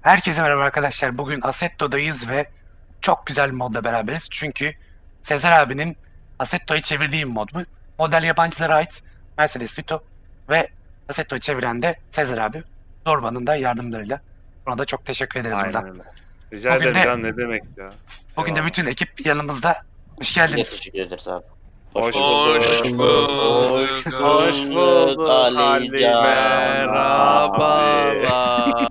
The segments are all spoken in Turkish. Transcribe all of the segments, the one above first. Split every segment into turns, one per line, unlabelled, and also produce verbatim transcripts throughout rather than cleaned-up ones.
Herkese merhaba arkadaşlar. Bugün Assetto'dayız ve çok güzel bir modla beraberiz. Çünkü Sezer abinin Assetto'yu çevirdiği bir mod bu. Model yabancılara ait Mercedes Vito ve Assetto'yu çeviren de Sezer abi. Zorba'nın da yardımlarıyla. Ona da çok teşekkür ederiz
Aynen
buradan.
öyle. Rica
Bugün
ederim
de
canım, ne demek ya.
bugün de
Eyvallah.
bütün ekip yanımızda. Hoş
Biz de
geldiniz.
teşekkür ederiz abi.
Hoş
bulduk.
bulduk.
Hoş
Hoş,
bulduk.
hoş bulduk
Ali Can
Merhabalar.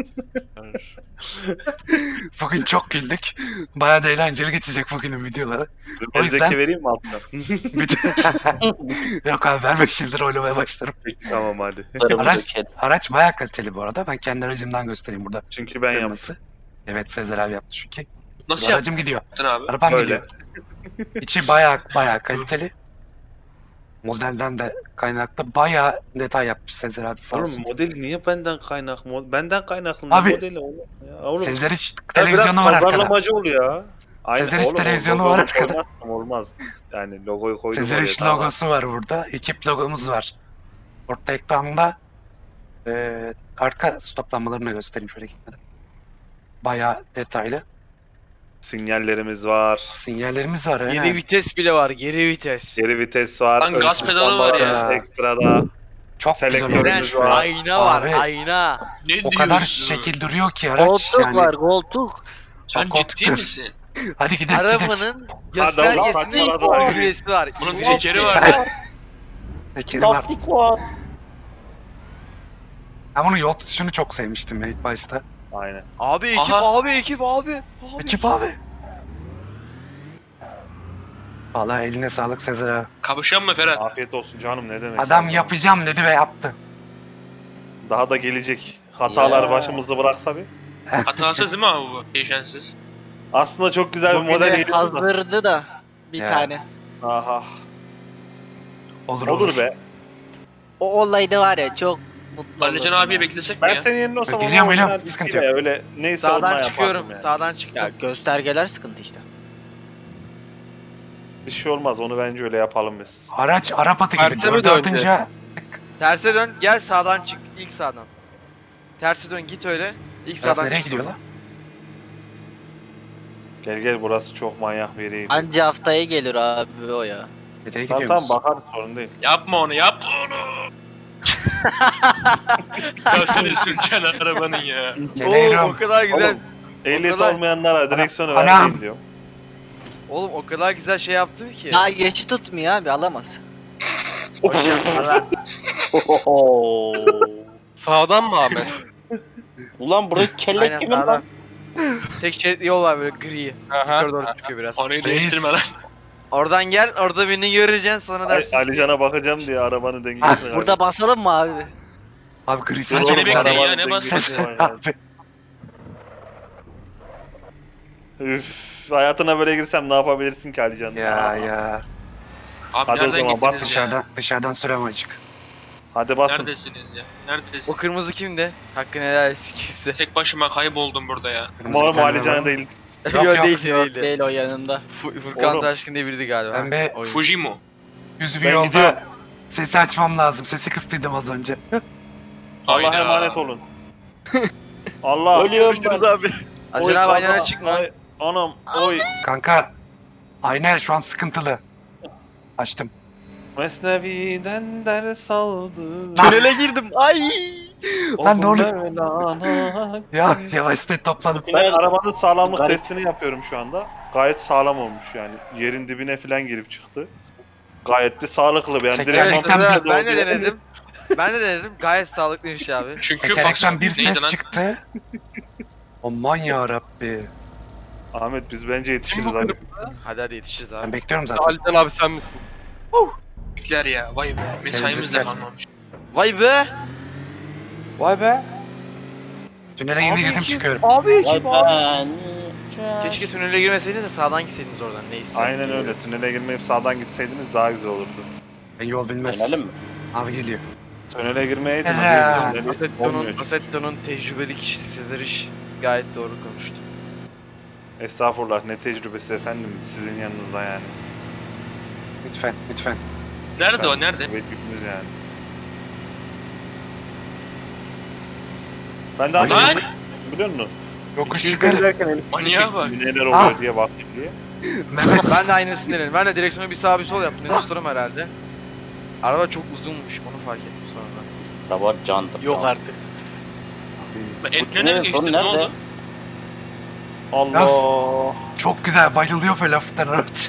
Bugün çok güldük. Bayağı da eğlenceli geçecek bugünün videoları. O
Mezdeki
yüzden-
vereyim mi altına?
Bütün... Yok abi ver beş yıldır oylamaya başlarım.
Peki tamam hadi.
Paramızı
Araç,
dökelim.
araç bayağı kaliteli bu arada. Ben kendi aracımdan göstereyim burada.
Çünkü ben yaptım.
Kırmızı. Evet Sezer abi yaptı çünkü.
Nasıl
Bu aracım gidiyor.
yaptın abi?
Arabam
Böyle.
gidiyor. İçi bayağı bayağı kaliteli. Modelden de kaynaklı bayağı detay yapmış Sezer abi sağ
Oğlum
olsun.
modeli niye benden kaynaklı? Mod- Benden kaynaklı ne
Abi,
modeli oğlum? Ya, oğlum.
Sezer hiç
Ya
televizyonu
biraz
var arkada.
pazarlamacı ol ya. Aynen,
Sezer hiç
oğlum, o
televizyonu
logoyu
var arkada.
koymazsam olmaz. Yani logoyu koydum
Sezer
oraya,
iş
tamam.
logosu var burada. Ekip logomuz var. Orta ekranda eee arka stoplanmalarını göstereyim şöyle gitmeden. Bayağı detaylı.
Sinyallerimiz var.
Sinyallerimiz var.
Geri
aynen.
vites bile var, geri vites.
Geri vites var.
Lan
ön
gaz
sis
pedalı var
lambaları
ya.
Ekstrada.
Çok güzel
Selektörümüz
olmuş.
var.
Ayna var,
Abi.
ayna.
Ne
O kadar
diyorsun?
şekil duruyor ki araç
Koltuk
yani.
var koltuk.
Sen
Koltuk
ciddi
dur.
misin?
Hadi gidelim gidelim.
Arabanın
Hadi oğlum,
göstergesinde
saçmalama.
küresi var.
Bunun bir
İlginç.
tekeri var.
Tekeri var.
Lastik var.
Ben bunu yol tutuşunu çok sevmiştim ya ilk başta.
Aynen.
Abi ekip,
Aha.
abi ekip, abi. abi.
Ekip abi. Vallahi eline sağlık Sezer abi.
Kapışan mı Ferhat?
Afiyet olsun canım, ne demek.
Adam
ya.
yapacağım dedi ve yaptı.
Daha da gelecek. Hatalar
Ya.
başımızda bıraksa bir.
Hatasız değil mi abi bu? Değişensiz.
Aslında çok güzel bir
Bugün
model
de
geliyordu da.
hazırdı da bir
Ya.
tane.
Aha.
Olur olur.
Olur be.
O olayda var ya çok mutlu
Alican
olurdum
abiye
ya.
beklesek mi
Ben
ya?
senin yerine olsam
Geliyorum,
ama
geliyorum.
orijinal
Sıkıntı
istiyle öyle neyse
Sağdan
ondan
çıkıyorum,
yapardım yani.
sağdan çıktım.
Ya göstergeler sıkıntı işte.
Bir şey olmaz, onu bence öyle yapalım biz.
Araç Arap atı gibi.
Terse mi
Dördü
döneceğiz?
atınca
Terse dön, gel sağdan çık, ilk sağdan. Terse dön, git öyle. İlk
Araç
sağdan
nereye
çık.
gidiyor
sonra.
lan?
Gel gel, burası çok manyak bir yere gidiyor.
Anca haftaya gelir abi o ya.
Nereye
Tamam
gidiyoruz?
tamam, bakarız, sorun değil.
Yapma onu, yapma onu. Ya seni sürken arabanın ya.
Oo, o
Geliyorum.
kadar güzel.
Oğlum, ehliyet
kadar-
olmayanlara direksiyonu
Anam.
vermeyin diyorum.
Oğlum o kadar güzel şey yaptım ki.
Daha geçi tutmuyor abi alamaz.
Sağdan mı Ahmet?
Ulan burası
Aynen
kellek gibi
sağdan.
lan.
Tek şeritli yol var böyle gri.
Aha.
Yukarı doğru çıkıyor biraz.
Konuyu değiştirme lan.
Oradan gel, orada beni göreceksin sana
Ali,
dersin. ki-
Alican'a bakacağım diye arabanın
Ah,
dengesini.
Burada basalım mı abi?
Abi gri
Sen
saçma
beni
bir
bekleyin
araba.
ya, ne basıyorsun?
Abi.
Üf, hayatına böyle girsem ne yapabilirsin ki Alican?
Ya ya.
Abi
Hadi o
nereden
zaman, bak
gittiniz ya?
Dışarıdan, dışarıdan sürem açık.
Hadi basın.
Neredesiniz ya? Neredesin?
O kırmızı kimdi? Hakkını helal etsin kimse.
Tek başıma kayboldum burada ya.
Kırmızı
Umarım
bir tane
Alican'a
var.
değil.
Yok,
Yok
yok,
değildi
Yok
değildi.
değil o yanında.
Fu- Furkan
Oğlum.
Taşkın diye biriydi galiba.
Ben bir
Oyun.
Fujimo.
yüz bir
Ben
yolda
gidiyorum.
sesi açmam lazım. Sesi kıstıydım az önce.
Allah'a
Hayda.
emanet olun. Allah.
Ölüyorum ben.
abi. Acun
Oy,
abi
Allah,
aynen çıkma.
ay, Anam oy.
Kanka ayna şu an sıkıntılı. Açtım.
Mesnevi'den ders aldım.
Tünele girdim. Ay!
Lan ne oluyor?
Mevlana.
Ya yavaşta topladım.
Ben arabanın sağlamlık
Garip.
testini yapıyorum şu anda. Gayet sağlam olmuş yani. Yerin dibine falan girip çıktı. Gayet de sağlıklı. Yani
Çek-
direkt
Evet
Gerçekten
Sezer
kontrol
abi ben de
ediyor.
denedim. Ben de denedim. Gayet sağlıklıymış abi.
Çünkü
Tekerlekten
Fox
bir
neydi
ses
lan?
çıktı. Aman ya Rabbi.
Ahmet biz bence yetişiriz
Kim bu
hadi.
Hadi hadi yetişiriz
Ben
abi.
bekliyorum zaten.
Alican abi sen misin?
Bekler ya. Vay be. Mesaimiz de
Temizlikler.
kalmamış.
Vay be.
Vay be.
Tünele yeni
Abi
girdim
ekip,
çıkıyorum.
Abi
Vay
ekip abi.
ben.
Keşke tünele girmeseydiniz de sağdan gitseydiniz oradan. Neyse.
Aynen öyle. Tünele girmeyip sağdan gitseydiniz daha güzel olurdu.
Ben yol bilmez.
Dönelim mi?
Abi geliyor.
Tünele girmeyeydiniz.
Helal.
Tüneli
Assetto'nun,
olmuyor.
Assetto'nun tecrübeli kişisi Sezer İş gayet doğru konuştu.
Estağfurullah, ne tecrübesi efendim sizin yanınızda yani.
Lütfen lütfen.
Nerede o? Nerede?
Evet, yükümüz yani. Ben daha
Ay.
Lan!
biliyor musun?
Yokuş
iki yüz
yukarı.
gezerken Elif
Manyağa bak.
neler oluyor
Ah.
diye bakayım diye.
Mehmet
Ben de aynısını denedim. Ben de direksiyonu bir sağ bir sol yaptım. Ne tutarım herhalde. Araba çok uzunmuş. Onu fark ettim sonra.
Araba candır.
Yok
can.
artık.
Ben
Bu
Etnen'e
tünel
mi geçtim?
sonu
Ne
nerede?
oldu?
Allah.
çok güzel bayılıyor böyle hafiften araç.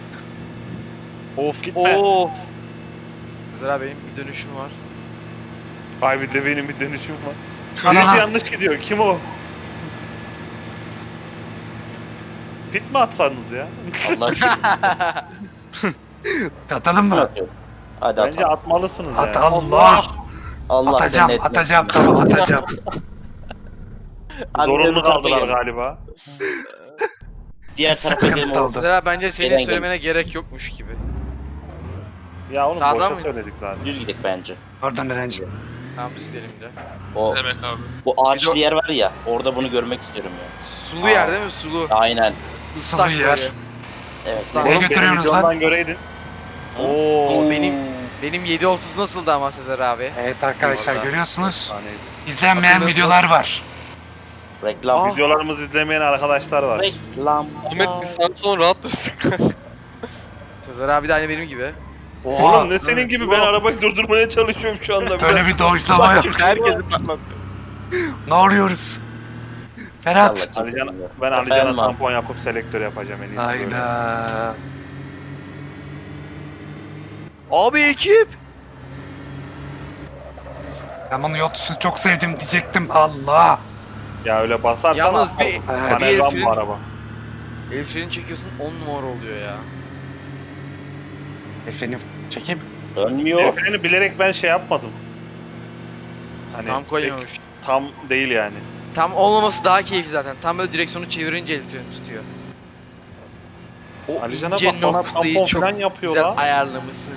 Of
Gitme.
of. Zira benim bir dönüşüm var.
Ay bir de benim bir dönüşüm var.
Ana.
Birisi yanlış gidiyor. Kim o? Pit mi atsanız ya?
Allah aşkına.
Atalım mı?
Hadi
Bence
at.
atmalısınız
At
yani.
Allah.
Allah
Atacağım,
seni etmesin.
atacağım, tamam atacağım.
Hadi
Zorunlu
öbür tarafa
kaldılar
gel.
galiba.
Diğer tarafa
Sıkıntı
gelin.
oldu.
Zira bence senin
Gelen
söylemene gerek yokmuş gibi.
Ya onu
Sağdan
boşa
mı?
söyledik zaten.
Düz gidelim bence.
Pardon Erenci.
Tamam düz gidelim de.
O
Ne demek abi?
bu ağaçlı
Bir de-
yer var ya. Orada bunu görmek istiyorum ya.
Sulu yer değil mi? Sulu.
Aynen.
Islak
Sulu yer.
böyle.
Evet.
Islan.
Nereye
Oğlum benim
götürüyorsunuz lan?
videomdan göreydin.
Oo benim benim yedi otuz nasıldı ama Sezer abi?
Evet arkadaşlar
Vallahi.
görüyorsunuz.
Efsaneydi.
İzlenmeyen
Bakın
videolar
nasıl-
var.
Reklam.
Aa.
Videolarımızı izlemeyen arkadaşlar var.
Reklam.
Ahmet bir saat sonra rahat dursun.
Sezer abi de aynı benim gibi.
Oğlum ne senin gibi ben arabayı durdurmaya çalışıyorum şu anda. Bir
Öyle
de.
bir doğuşlama yok.
Herkesi patlattı.
Ne oluyoruz? Ferhat.
Allah kim
Alican,
bilir.
ben
Efendim
Alican'a
abi.
tampon yapıp selektör yapacağım en iyisi böyle.
Hayda.
Abi ekip.
Ben bunu Yotus'u çok sevdim diyecektim. Allah.
Ya öyle basarsan
Yalnız bir,
Evet.
Manevram
bir
bu araba.
el freni çekiyorsun on numara oluyor ya.
Efendim çekeyim.
Dönmüyor.
El freni bilerek ben şey yapmadım. Hani
Tam koymamış.
pek tam değil yani.
Tam olmaması daha keyifli zaten. Tam böyle direksiyonu çevirince el freni tutuyor. O
Alican'a
ince
bak bana
noktayı
tampon
çok
falan yapıyor
güzel
la.
ayarlamışsın.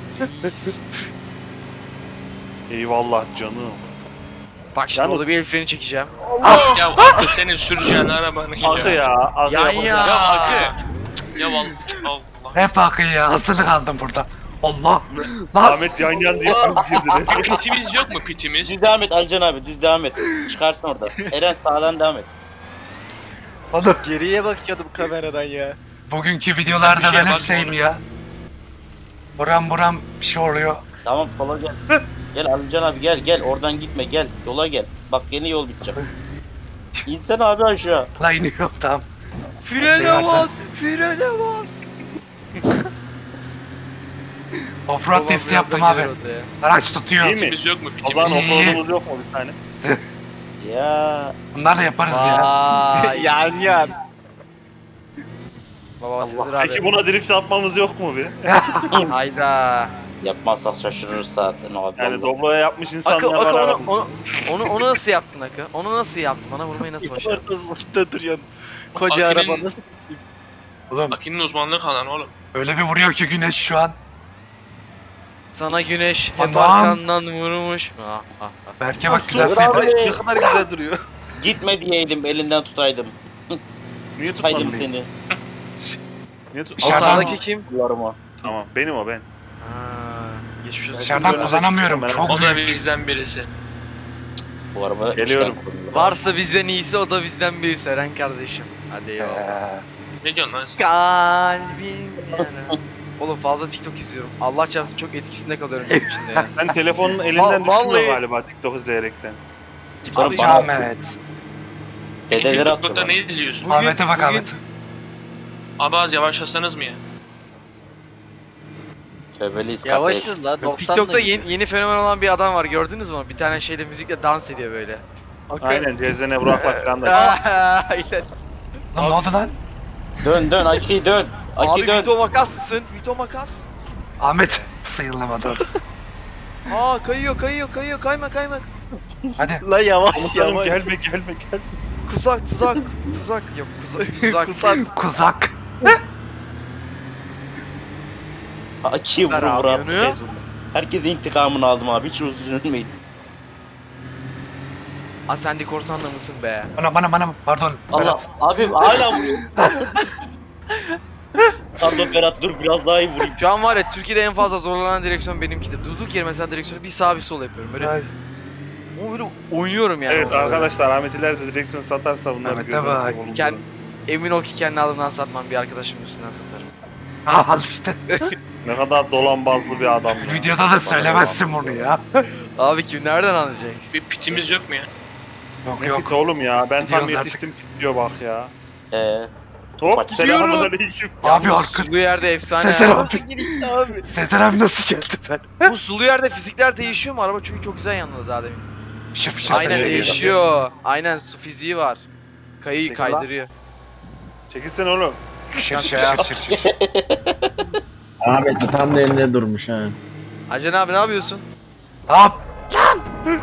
Eyvallah canım.
Bak şimdi
Yalnız-
orada bir el freni çekeceğim.
Ya Akı senin süreceğin arabanın
Akı ya. Akı
Yan
yapacak.
ya.
Ya Akı. Ya vallahi Allah.
Hep akıyor ya. Asılı kaldım burada. Allah. Lan.
Ahmet yan yan diye girdi.
Pitimiz yok mu pitimiz?
Düz devam et Alican abi. Düz devam et. Çıkarsın orada. Eren sağdan devam et.
Oğlum.
Geriye bakıyordum kameradan ya.
Bugünkü
Sen bir
videolarda
şeye
ben hep
bakma
şeyim
oğlum.
ya. Buram buram bir şey oluyor.
Tamam sola gel. Gel Alican abi gel gel. Oradan gitme gel. Yola gel. Bak yeni yol bitecek. İnsen abi aşağı.
La iniyorum tamam.
Frene
Şey varsa-
bas! Frene bas!
Offroad
Babam
testi
birazdan
yaptım abi.
gelir orada ya.
Araç tutuyor.
İyi mi?
Pitimiz yok mu
O zaman
pitimiz?
İyi.
offroad'umuz yok mu bir tane?
Ya.
Bunlarla yaparız ya.
Vay!
Yan yan.
Baba Sezer abi.
Peki buna drift atmamız yok mu bir?
Hayda.
Yapmazsak şaşırırız zaten abi.
Yani
vallahi.
Doblo'ya yapmış insanlar
Akı,
var
Akı onu,
aramızda.
onu, onu, onu nasıl yaptın Akı? Onu nasıl yaptın? Bana vurmayı nasıl başardın?
Ortasında duruyorsun. Koca
Akinin-
araba nasıl?
Oğlum
Aki'nin uzmanlığı kalan oğlum.
öyle bir vuruyor ki güneş şu an.
Sana güneş hep
Anam.
arkandan vurmuş. Ah, ah, ah.
Berke bak güzel
Dur
sevdi.
abi.
Ne kadar güzel duruyor.
Gitme diyeydim elinden tutaydım.
Niye
Tutaydım
tutmadın?
seni.
Niye tut?
O
Dışarıdan-
sağdaki kim?
Kullarıma.
Tamam benim o ben.
Ha, geçmiş olsun.
Dışarıdan
Böyle
kullanamıyorum.
ben-
Çok
O da
büyük.
bizden birisi.
Bu araba
Geliyorum.
içten kullanılır.
Varsa bizden iyisi o da bizden bir Seren kardeşim. Hadi ya.
Ee,
Ne diyorsun lan sen?
Kalbim yara. Oğlum fazla TikTok izliyorum. Allah çarpsın çok etkisinde kalıyorum gün içinde ya.
Ben telefonun elinden
Va- vallahi-
düşmüyor galiba TikTok izleyerekten.
Abi
Yapacağım evet.
Dedeleri
TikTok'ta
atıyorlar.
ne izliyorsun?
Bugün-
Ahmet'e bak
bugün-
Ahmet.
Abi az yavaşlasanız mı ya?
Tövbeliyiz kardeş.
Yavaşız la doksan.
TikTok'ta yeni, yeni fenomen olan bir adam var gördünüz mü? Bir tane şeyle müzikle dans ediyor böyle.
Aynen Cezene Burak'la falan da.
Aynen.
Lan ne oldu lan?
Dön dön Aki dön. Aki
Abi
dön.
Vito Makas mısın? Vito Makas.
Ahmet sayılamadı.
Aa kayıyor kayıyor kayıyor kayma kayma.
Hadi.
La yavaş
Komutanım
yavaş.
gelme gelme gelme.
Kuzak tuzak tuzak yok kuzak tuzak.
Kusak.
Kuzak.
Aki vur
Ver abi
vur abi.
yanıyor.
Herkese intikamını aldım abi. Hiç üzülmeyin.
Aa sen de korsanla mısın be?
Bana bana bana pardon.
Allah
Berat.
abi hala vuruyor. Pardon Ferhat dur biraz daha iyi vurayım.
Şu an var ya Türkiye'de en fazla zorlanan direksiyon benimkidir. Durduk yere mesela direksiyonu bir sağ bir sol yapıyorum. Böyle
Ay,
Ama böyle oynuyorum yani.
Evet
onunla böyle.
arkadaşlar Ahmet ileride direksiyon satarsa bunları
Ahmet'e
göz önünde
bak.
bulundurun.
Kend- Emin ol ki kendi adımdan satmam, bir arkadaşımın üstünden satarım.
Ah, al işte.
Ne kadar dolambazlı bir adam ya.
Videoda da söylemezsin bunu ya.
Abi kim nereden anlayacak?
Bir pitimiz yok mu ya?
Yok
Ne
yok.
pit oğlum ya, ben tam
Gidiyoruz
yetiştim pit diyor bak ya.
Ee,
Top
Gidiyorum.
selamünaleyküm.
Abi
Yalnız
arka...
sulu yerde efsane.
Sezer
ya.
abi.
abi.
Sezer abi nasıl geldi ben?
Bu sulu yerde fizikler değişiyor mu? Araba çünkü çok güzel yanladı daha demin.
Fışır fışır
Aynen
fışır.
değişiyor.
değişiyor. Aynen su fiziği var. Kayıyı
Çekil lan.
kaydırıyor.
Çekilsene oğlum.
Fışır fışır fışır fışır.
Ahmet de tam da elinde durmuş ha.
Acan abi ne yapıyorsun?
Hop. Lan.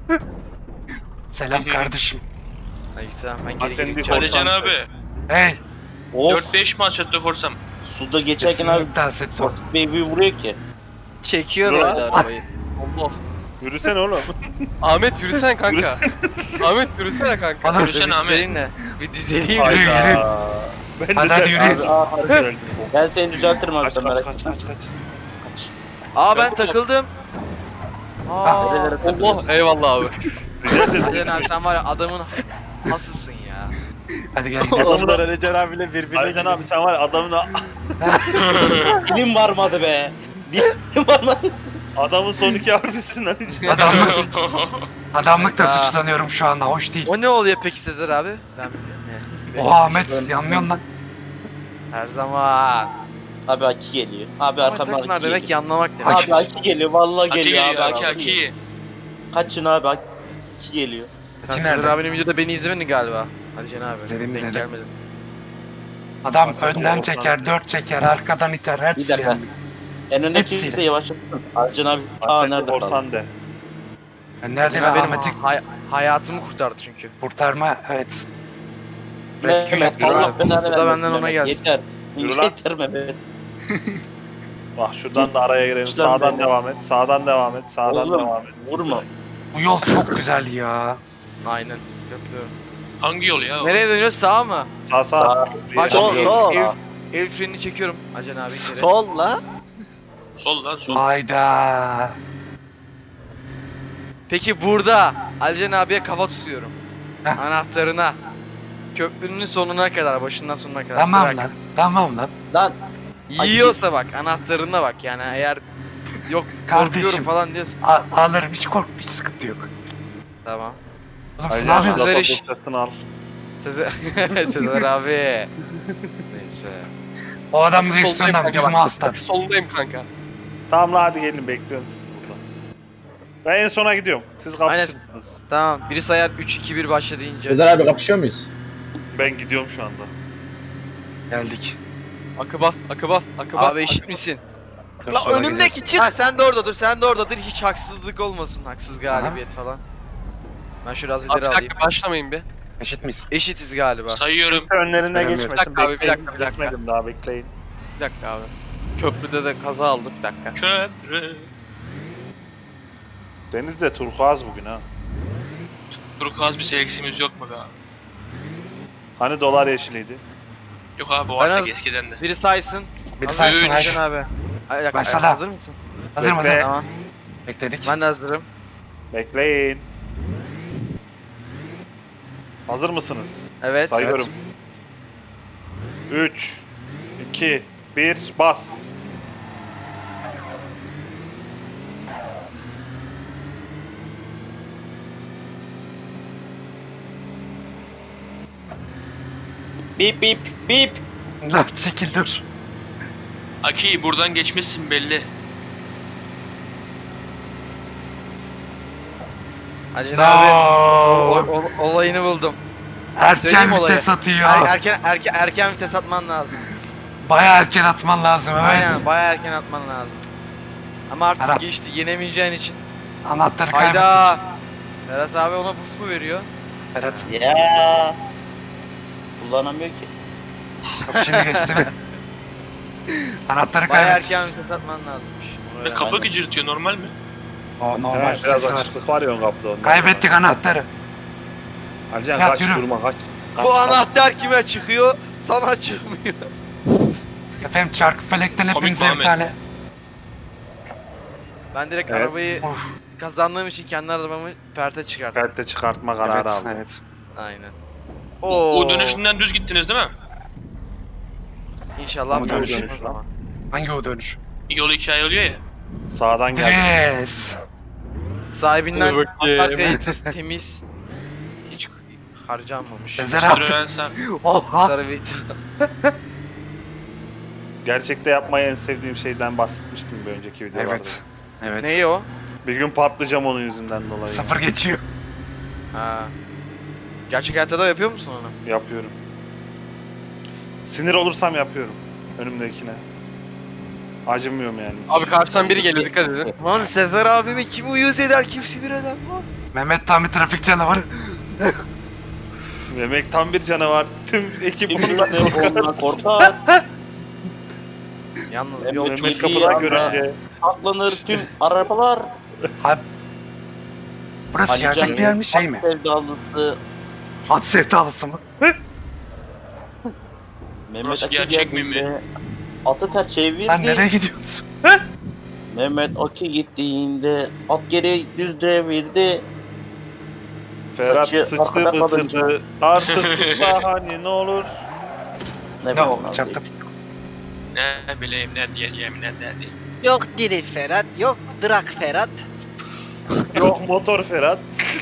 Selam kardeşim.
Neyse ben
Ha,
geri
sen
geri
bir
gideceğim.
Alican
Korsan
abi.
Hey.
of
dört beş maç attık korsam.
suda geçerken abi
Kesinlikle Assetto.
Sportif Baby vuruyor ki.
Çekiyor
Dur.
öyle arabayı.
Allah.
Yürüsene oğlum.
Ahmet yürüsene kanka. Ahmet yürüsene kanka.
Bana
Yürüsene
Bir
Ahmet.
dizeleyim de. Bir dizeleyim
Yürü,
de.
yürü.
Hayda. Ben
Hadi,
de
hadi
de-
yürü.
Abi, aa, harbi geldim.
Ben seni düzeltirim abi
Kaç
sen
kaç
merak
kaç
etme.
kaç kaç.
Aa ben takıldım. Aa.
Nerelere
Allah
takılıyorsun?
eyvallah abi.
Rica ederim.
Acan abi sen var ya adamın hasısın ya.
Hadi gel gidelim.
Onlar Alican abiyle birbirine
Aydan
giriyor.
abi sen var ya adamın
Dilim varmadı be. Dilim varmadı.
adamın son iki harbisin lan.
Adamlık, adamlık da
Ya.
suçlanıyorum şu anda. Hoş değil.
O ne oluyor peki Sezer abi? Ben bilmiyorum ya.
Oha Ahmet yanmıyorsun lan.
Her zaman.
Abi Aki geliyor. Abi
Ama
arkamdan
takımlar
Aki
demek
geliyor.
yanlamak demek.
Aki.
Abi Aki geliyor vallahi
Aki
geliyor,
geliyor
abi.
Aki Aki.
Kaçın abi Aki geliyor.
Sen
Aki
Sezer
nerede?
abinin videoda beni izlemedin galiba. Hadi Can abi.
İzledim,
Denk
izledim.
gelmedim.
Adam
Assetto
önden
Korsan.
çeker, dört çeker, arkadan iter.
Bir
Hepsi
dakika.
yani.
En öndeki
Hepsiyle.
kimse yavaşlasın. Arcan abi. Aa
Assetto
nerede kaldı?
korsan de.
Ben nerede
Can
ben
abi benim
Ahmet'i
hay- hayatımı kurtardı çünkü.
kurtarma, evet. Rescue
Mehmet
yapıyor
Allah
abi.
belanı
Bu da
vermesin
benden ona
Mehmet.
gelsin.
Yeter.
Yürü lan.
Yeter Mehmet.
Bak şuradan da araya girelim.
Güçlen
Sağdan
be.
devam et. Sağdan devam et. Sağdan
Oğlum
devam et.
vurma.
Bu yol çok güzel ya.
Aynen. Katılıyorum.
Hangi yol ya? o?
Nereye dönüyoruz? Sağa mı?
Sağ sağ.
Sağ.
Bak
Sol,
el,
sol.
el, el frenini çekiyorum. Acan abi içeri.
Sol la.
Sol lan sol.
Hayda.
Peki burada Alican abiye kafa tutuyorum.
Heh.
Anahtarına. Köprünün sonuna kadar, başından sonuna kadar.
Tamam
Bırak.
lan. Tamam lan.
Lan
Yiyorsa bak, anahtarına bak yani eğer yok
Kardeşim.
korkuyorum falan diyorsan.
A- alırım, hiç korkma, hiç sıkıntı yok.
Tamam.
Oğlum siz ne
Aynen.
yapıyorsunuz?
Sezer
Sezer
iş.
al.
Sezer, Sezer abi. Neyse.
O adam
Soldayım
direksiyondan
kanka,
bizim
bak.
hasta.
Soldayım kanka.
Tamam la hadi gelin bekliyorum sizi burada. Ben en sona gidiyorum. Siz
Aynen.
kapışırsınız.
Tamam. Biri sayar üç iki bir başla deyince.
Sezer abi kapışıyor muyuz?
Ben gidiyorum şu anda.
Geldik.
Akı bas, akı bas, akı bas.
Abi eşit
akı
misin?
Dur,
bas. La
sola
önümdeki çık.
Ha sen de orada dur, sen de orada dur. Hiç haksızlık olmasın, haksız galibiyet falan. Ben şöyle az
Abi
ileri
bir
alayım.
dakika başlamayın bir.
gidelim. Eşit miyiz?
Eşitiz galiba.
Sayıyorum.
Önlerine
Önemli.
geçmesin.
Bir dakika abi, bir
bekleyin.
dakika, bir dakika.
Geçmedim daha bekleyin.
Bir dakika abi. Köprüde de kaza oldu bir dakika.
Köprü.
Deniz de turkuaz bugün ha.
Turkuaz bir seleksimiz yok mu be abi?
Hani dolar yeşiliydi.
Yok abi o
Ben
artık
az-
eskiden de.
Biri saysın.
Bir
Hazır
saysın
mısın
haydi.
Can abi? Ay, dakika,
Başla.
hazır mısın?
Hazır mısın?
Bekle.
Tamam.
Bekledik.
Ben de hazırım.
Bekleyin. Hazır mısınız?
Evet.
Sayıyorum. üç, iki, bir, bas.
bip bip bip.
Lan çekil dur.
Aki buradan geçmişsin belli.
Acun abi. O,
No.
o- olayını buldum.
Erken
Söyleyeyim olayı.
vites atıyor.
Er- erken erken erken vites atman lazım.
Baya erken atman lazım, evet.
Aynen, bayağı erken atman lazım. Ama artık
Arap.
geçti, yenemeyeceğin için.
Anahtarı kaybettik.
Hayda. Ferhat abi ona boost mu veriyor?
Ferhat.
Ya. Kullanamıyor ki.
Kapı şimdi geçti mi? Anahtarı
Bayağı
kaybettik.
erken vites atman lazımmış. Onu
Ve
öğren.
kapı
aynen.
gıcırtıyor normal mi?
O normal
Evet, biraz
sesi var.
açıklık var ya ön kapıda ondan.
Kaybettik anahtarı.
Alican
Ya,
kaç
yürü.
durma kaç. Kaç,
Bu
kaç.
anahtar kime çıkıyor? Sana çıkmıyor.
Efendim çarkı felekten
Komik
hepinize bir
Muhammed.
tane.
Ben direkt
Evet.
arabayı
Of.
kazandığım için kendi arabamı perte çıkarttım.
Perte çıkartma kararı
Evet,
aldım.
evet.
Aynen.
O,
Oo.
o dönüşünden düz gittiniz değil mi?
İnşallah
Ama
görüşürüz
dönüş
o
lan.
zaman.
Hangi o dönüş?
Yol iki ayrılıyor ya.
Sağdan geldim.
Dres.
Sahibinden
Dur bakayım.
atak kayıtsız temiz. Hiç harcanmamış.
Sezer abi.
Citroen sen.
Oha.
Sarı vit.
Gerçekte yapmayı en sevdiğim şeyden bahsetmiştim bir önceki videolarda.
Evet. Evet.
Neyi o?
Bir gün patlayacağım onun yüzünden dolayı.
Sıfır geçiyor.
Ha. Gerçek hayatta da yapıyor musun onu?
Yapıyorum. Sinir olursam yapıyorum. Önümdekine. Acımıyorum yani.
Abi karşıdan biri geliyor dikkat edin.
Lan Sezer abimi kim uyuz eder, kim sinir eder lan?
Mehmet tam bir trafik canavarı.
Demek tam bir canavar. Tüm ekip bundan
Kimse ondan korkar.
Yalnız yol
Mehmet
çok
Mehmet
çok iyi
kapıdan
anda-
görünce
Saklanır tüm arabalar.
Abi. Burası
Ali
gerçek
Can
bir yer mi şey mi?
Sevdalısı.
At sevdalısı mı?
Mehmet
Burası
Aki
gerçek mi
geldiğinde atı ters çevirdi.
Lan nereye gidiyorsun?
Mehmet Aki gittiğinde at geri düz devirdi.
Ferhat
Saçı
sıçtı
arkada kalınca.
bıtırdı. Artık sıçma hani ne olur.
Ne
Ne
bileyim
oldu
abi.
çaktım.
Ne bileyim ne diyeceğim ne diyeceğim.
Yok Diri Ferhat, yok Drak Ferhat.
Yok motor Ferhat.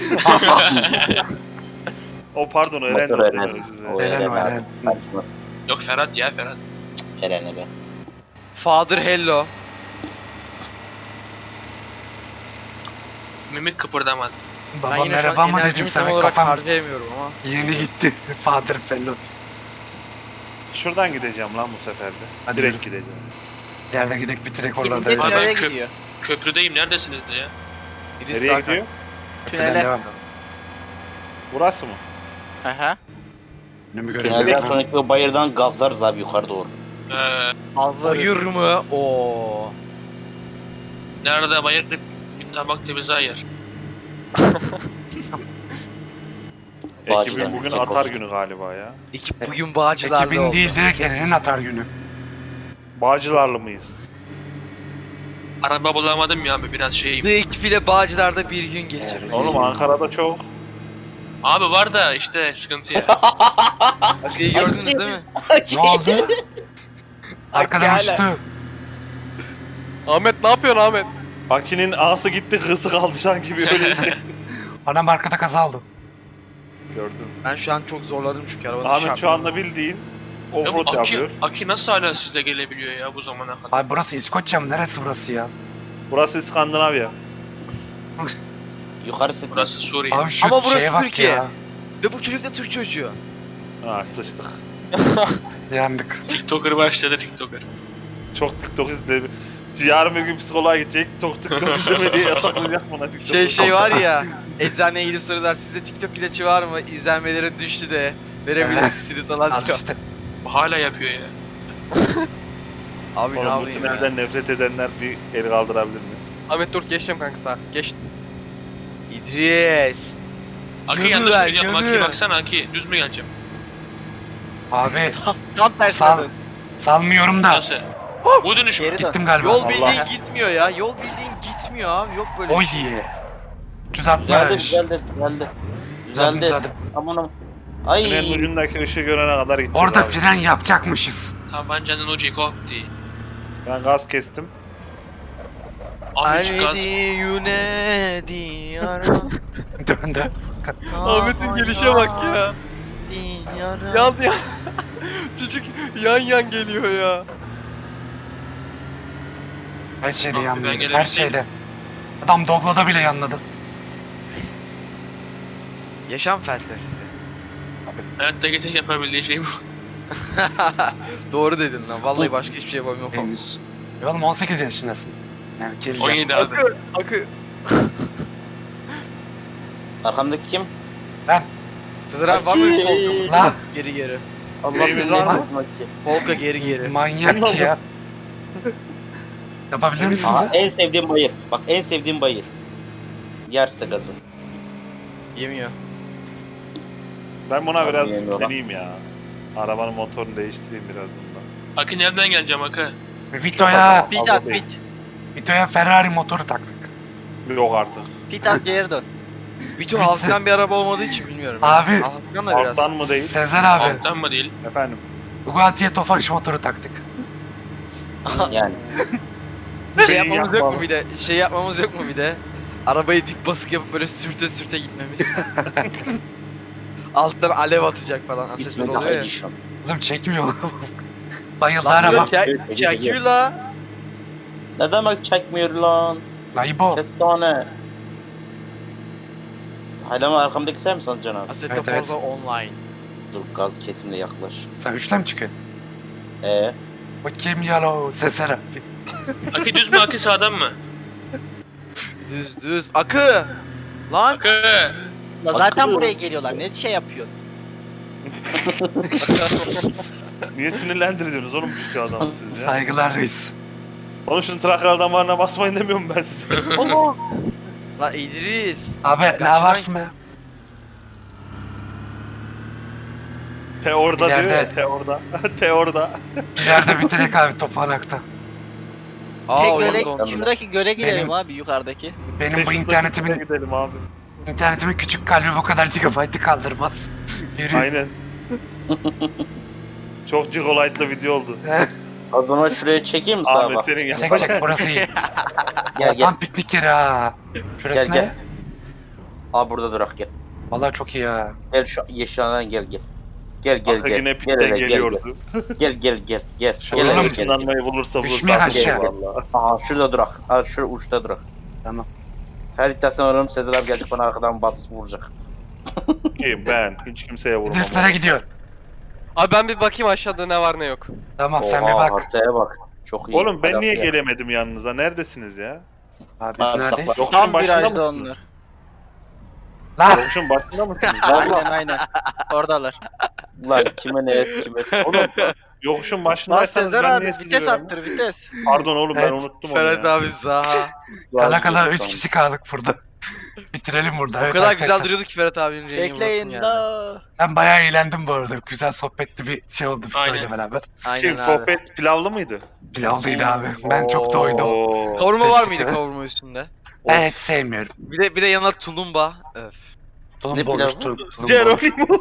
O pardon o Eren de
Motor
o değil mi?
Eren.
Özür dilerim.
O
Eren
Eren
o,
abi.
Eren.
Kaçma.
Yok Ferhat ya Ferhat.
Eren'e be.
Father Hello.
Mimik kıpırdamadı.
Ben
Baba
yine şu
merhaba
an
mı dedim
enerjimi tam
sana
olarak
kafam
harcayamıyorum ama.
yeni gitti. Father Fellow.
Şuradan gideceğim lan bu sefer de.
Hadi
Direkt
yürü.
gideceğim.
Yerde gidek bitirek oralarda.
Gidince
Abi ben
tünele
köp-
gidiyor.
Köprüdeyim neredesiniz ya?
Birisi
Nereye
sağ
gidiyor?
Tünele.
Devam.
Burası mı?
Aha.
Önümü
Tünelden
görebilirim.
sonraki o bayırdan gazlarız abi yukarı doğru.
Ee,
Bayır mı? Oo.
nerede bayır bir tabak temiz ayır.
Ekibin
Bağcılar,
bugün
Kekos.
atar günü galiba ya.
Ekip bugün Bağcılar'da
Ekibin
oldu.
değil direkt Eren'in atar günü.
Bağcılarlı mıyız?
Araba bulamadım ya abi biraz şeyim.
The ekip ile Bağcılar'da bir gün geçirdik.
Oğlum Ankara'da çok.
Abi var da işte sıkıntı ya.
Aki'yi gördünüz değil mi?
Ne oldu? Arkadan
hala.
uçtu.
Ahmet ne yapıyorsun Ahmet?
Aki'nin ağası gitti kızı kaldı şu an gibi öyle.
Anam arkada kaza aldı.
Gördüm.
Ben şu an çok zorladım çünkü arabanın
Ahmet şu
şartları.
anda bildiğin
Ya bu
offroad
Aki,
yapıyor.
Aki nasıl hala size gelebiliyor ya bu zamana kadar?
Abi burası İskoçya mı? Neresi burası ya?
Burası İskandinavya.
Yukarısı
Burası Suriye.
Abi şu
Ama burası
şeye bak
Türkiye.
ya.
Ve bu çocuk da Türk çocuğu.
Ha sıçtık.
Yandık.
TikToker başladı TikToker.
Çok TikTok izledi. Yarın bir gün psikoloğa gidecek. Çok TikTok izleme diye yasaklayacak bana TikTok.
Şey şey var ya. Eczaneye gidip soruyorlar sizde TikTok ilacı var mı? İzlenmelerin düştü de. Verebilir
Evet.
misiniz falan
Al
diyor.
işte.
Hala yapıyor ya.
Abi ne
Oğlum bu
yapayım ya?
tünelden nefret edenler bir el kaldırabilir mi?
Ahmet dur geçeceğim kanka sağa. Geç.
İdris.
Aki
Yanı
yanlış
ver,
mı gidiyorum? Aki
yanı.
baksana Aki düz mü geleceğim?
Abi
Tam tersine
Sağ-
dön.
salmıyorum da.
Nasıl? Bu dönüş mü?
Geri dön.
Gittim galiba.
Yol
Allah.
bildiğin gitmiyor ya. Yol bildiğin gitmiyor abi. Yok böyle
Oy
bir şey.
diye.
Düzeldi
üç altmış.
düzeldi düzeldi. Düzeldi.
Düzeldi.
Aman aman. Ay.
Tünelin ucundaki ışığı görene kadar gideceğiz
Orada
abi.
fren yapacakmışız.
Tabancanın ucu koptu.
Ben gaz kestim.
Abi hiç gaz.
Anedi yunedi ara.
Döndü.
Ahmet'in gelişe bak ya.
Yara.
Yan yan. Çocuk yan yan geliyor ya.
Her şeyde
Abi ben
yanlıyor. Her
gelebilseydim.
şeyde. Adam Dogla'da bile yanladı.
Yaşam felsefesi.
Hayatta geçen yapabildiği şey bu.
Doğru dedin lan. Vallahi başka hiçbir şey yapamıyorum.
Henüz. Ya oğlum on sekiz yaşındasın. Yani geleceğim.
on yedi abi.
Akı. Akı.
Arkamdaki kim?
Sezer abi var mı bir polka?
La
Geri geri.
Allah
Neyimiz
seni
var
ne
mı?
yapmak ki?
Polka geri geri.
manyak ki ya. Yapabilir misiniz?
Aa, en sevdiğim bayır. Bak en sevdiğim bayır. Yerse gazı.
Yemiyor.
Ben buna biraz
Yemiyor lan.
deneyeyim ya. Arabanın motorunu değiştireyim biraz bundan.
Aki nereden geleceğim Aki?
Vito'ya,
Bit
Fazla
at
değil.
bit.
Vito'ya Ferrari motoru taktık.
Yok artık.
Pit at geri dön.
Vito halktan bir araba olmadığı için bilmiyorum. ya.
Abi.
Halktan da biraz.
Alttan mı değil?
Sezer abi.
Alttan mı değil?
Efendim.
Bugatti'ye Tofaş motoru taktık.
Yani.
Şey
Şeyi
yapmamız yok
yapmalı.
mu bir de? Şey yapmamız yok mu bir de? Arabayı dip basık yapıp böyle sürte sürte gitmemiz. Alttan alev atacak falan. Asetör
İsmi de
oluyor ya.
Edition.
Oğlum çekmiyor. Bayıldı
Lan
araba.
çek, çekiyor la.
Ne demek çekmiyor lan?
La İbo.
Kestane. Hala mı arkamdaki sen misin Can abi?
Assetto
Evet, evet.
Forza Online.
Dur gaz kesimle yaklaş.
Sen üçten mi çıkıyorsun?
Ee,
O kim ya o Sezer abi.
Akı düz mü akı sağdan mı?
Düz düz. Akı. Lan.
Akı.
La zaten
Akıllı.
buraya geliyorlar. Ne şey yapıyorsun?
Niye sinirlendiriyorsunuz oğlum şu adamı siz ya?
Saygılar reis.
Oğlum şunun Trakya damarına basmayın demiyorum ben size.
La İdris.
Abi ne
Karşıdan-
varsın be?
Te orada diyor
İleride.
ya, te orada. te orada.
İleride bitirek abi toplanakta.
Aa
Tek
oyun
göle,
dondu.
şuradaki göle gidelim
Benim-
abi yukarıdaki.
Benim bu
Teşvik'te
internetimin
gidelim abi.
internetimin küçük kalbi bu kadar gigabaytı kaldırmaz. Yürü.
Aynen. Çok gigalight'lı video oldu.
o zaman şuraya çekeyim mi sağa
Ahmet
bak?
senin
Çek
yapacağın.
çek burası iyi.
Gel gel.
Tam piknik yeri ha. Şurası
Gel,
ne?
gel. Aa burada durak gel.
Vallahi çok iyi ya.
Gel şu yeşilhaneden gel gel. Gel gel
Arka
gel.
yine
Gel
pitten
hele, gel
geliyordu.
gel gel gel gel.
Şu
Gel
an
hele, gel.
ışınlanmayı bulursa
Düşmeyin
bulursa.
aşağı.
Valla.
Aha şurada durak. Aa şurada uçta durak.
Tamam.
Her iddiasını ararım Sezer abi gelecek bana arkadan bas vuracak.
Kim ben? Hiç kimseye vurmam.
İdrislere gidiyor.
Abi ben bir bakayım aşağıda ne var ne yok.
Tamam sen bir
Oha,
bak.
haritaya bak. Çok iyi.
Oğlum ben
Hadi
niye
atlayalım.
gelemedim yanınıza? Neredesiniz ya?
Abi biz
Abi,
neredeyiz?
sakla.
Yokuşun
Tam
başında
virajda
mısınız?
onlar.
Lan
Yokuşun başında mısınız?
Aynen aynen. Oradalar.
Lan kime ne et kime.
Oğlum yokuşun
Lan
başındaysanız
Sezer
ben
abi
niye
vites
sizi göremem?
attır vites.
Pardon oğlum ben
Evet.
unuttum onu
Ferhat
ya.
abi saha.
kala kala üç kişi kaldık burada. Bitirelim burada.
O
Evet
kadar
arkadaşlar.
güzel duruyordu ki Ferhat abinin rengi
Bekleyin
burasını
da.
Ben bayağı eğlendim bu arada. Güzel sohbetli bir şey oldu Fito
Aynen.
ile beraber.
Aynen
Kim
abi.
sohbet pilavlı mıydı?
Pilavlıydı abi. Ben çok doydum.
Oo.
Kavurma var mıydı
Teşekkür ederim.
kavurma üstünde?
Evet sevmiyorum.
Bir de bir de yanına tulumba. Öf.
Tulum
Ne
boğuş,
pilavı?
tulum, tulum boğuş.
Geronimo.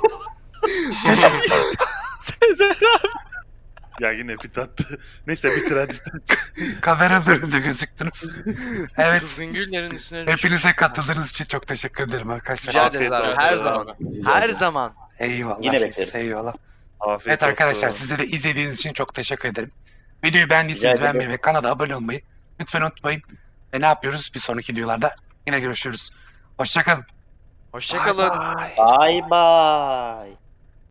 Ya yine pit attı. Neyse bitir hadi.
Kameranın önünde gözüktünüz. Evet.
Kızgın güllerin üstüne
Hepinize
düşmüş.
katıldığınız için çok teşekkür ederim arkadaşlar.
Rica
Afiyet
ederiz abi.
olsun.
Her zaman. Her zaman.
Eyvallah.
Yine
reis,
bekleriz.
Eyvallah.
Afiyet
Evet arkadaşlar
olsun.
size de izlediğiniz için çok teşekkür ederim. Videoyu
Rica
beğendiyseniz
ederim.
beğenmeyi ve kanala abone olmayı lütfen unutmayın. Ve ne yapıyoruz? Bir sonraki videolarda yine görüşürüz. Hoşçakalın.
Hoşçakalın.
Bye bye.
Bye bye.